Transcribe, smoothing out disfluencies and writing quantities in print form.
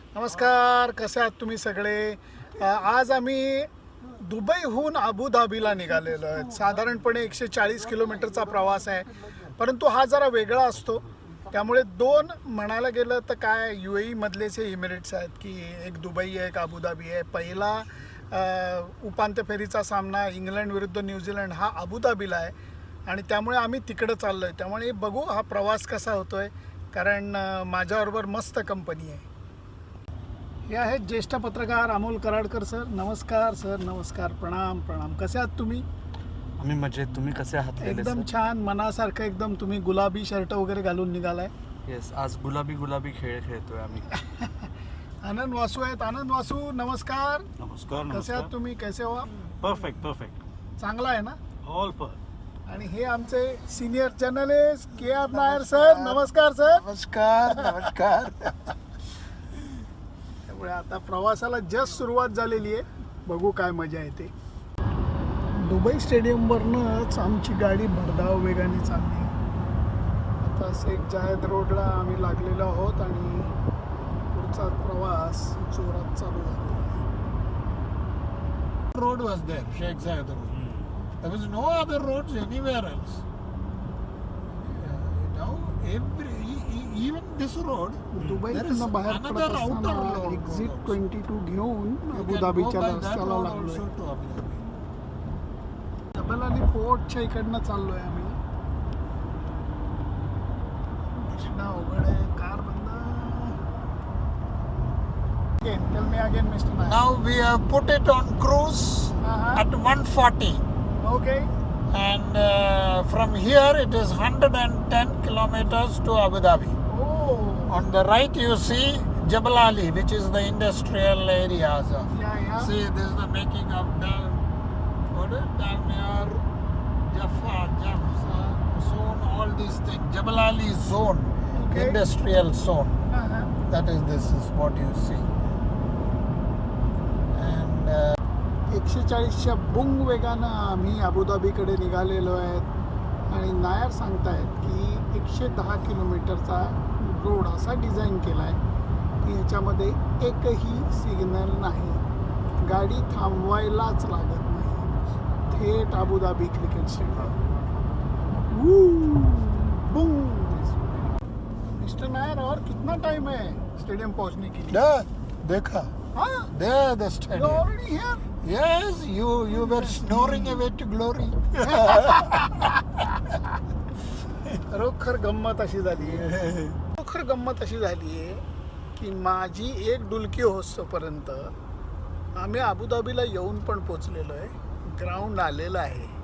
नमस्कार, कसे आहात तुम्ही सगळे? आज आम्ही दुबईहून अबुधाबीला निघालेलो आहे. साधारणपणे 140 किलोमीटरचा प्रवास आहे, परंतु हा जरा वेगळा असतो. त्यामुळे दोन म्हणायला गेलं तर काय UAE मधलेच हे इमिरेट्स आहेत की एक दुबई आहे, एक अबुधाबी आहे. पहिला उपांत्य फेरीचा सामना इंग्लंड विरुद्ध न्यूझीलंड हा अबुधाबीला आहे आणि त्यामुळे आम्ही तिकडे चाललो आहे. त्यामुळे बघू हा प्रवास कसा होतो आहे, कारण माझ्याबरोबर मस्त कंपनी आहे. हे आहेत ज्येष्ठ पत्रकार अमोल कराडकर सर. नमस्कार सर. नमस्कार. प्रणाम प्रणाम. कसे आहात तुम्ही? आम्ही मजेत. तुम्ही कसे आहात? एकदम छान, मनासारखं एकदम. तुम्ही गुलाबी शर्ट वगैरे घालून निघालाय. येस, आज गुलाबी खेळ खेळतोय आम्ही. आनंद वासू आहेत. आनंद वासू, नमस्कार. नमस्कार. कसे आहात तुम्ही? कैसे हो? परफेक्ट. चांगला आहे ना? ऑल पर. आणि हे आमचे senior journalist KR Nair sir. नमस्कार सर. नमस्कार. त्यामुळे आता प्रवासाला जस्ट सुरुवात झालेली आहे. बघू काय मजा येते. दुबई स्टेडियमवरनंच आमची गाडी भरधाव वेगाने चालली. आता शेख जायद रोडला आम्ही लागलेलो आहोत आणि पुढचा प्रवास जोरात चालू झाला. Road was there, Sheikh Zayed Road. There was no other roads anywhere else. Now even this road, there is दुबईतून बाहेर another पडत outer असताना road. एक्झिट 22 घेऊन You can go अबुधाबीच्या by that रस्त्याला road लागलोय. also to Abu Dhabi. जबल अली पोर्टच्या इकडनं चाललोय आम्ही. दिसणं अवघड आहे. कार बंद. Tell me again, Mr. Nair. Now we have put it on cruise at 140. Okay. And from here it is 110 kilometers to Abu Dhabi. Oh. On the right you see Jabal Ali, which is the industrial areas of. Yeah. See, this is the making of Dalmir, Jaffa, zone, all these things. Jabal Ali zone, Okay. industrial zone. Uh-huh. This is what you see. And 140च्या बुंग वेगानं आम्ही अबुधाबीकडे निघालेलो आहेत आणि नायर सांगतायत की 110 किलोमीटरचा road असा design केला आहे की ह्याच्यामध्ये एकही सिग्नल नाही. गाडी थांबवायलाच लागत नाही. थेट अबुधाबी क्रिकेट स्टेडियम. बुंग. मिस्टर नायर, और कितना टाइम है स्टेडियम पहुंचने के लिए? there, देखा, हाँ, there the you're stadium. already here. Yes, you were snoring away to glory. खरोखर गंमत अशी झाली आहे की माझी एक डुलकी होस्तोपर्यंत आम्ही अबुधाबीला येऊन पण पोचलेलो आहे. ग्राउंड आलेलं आहे.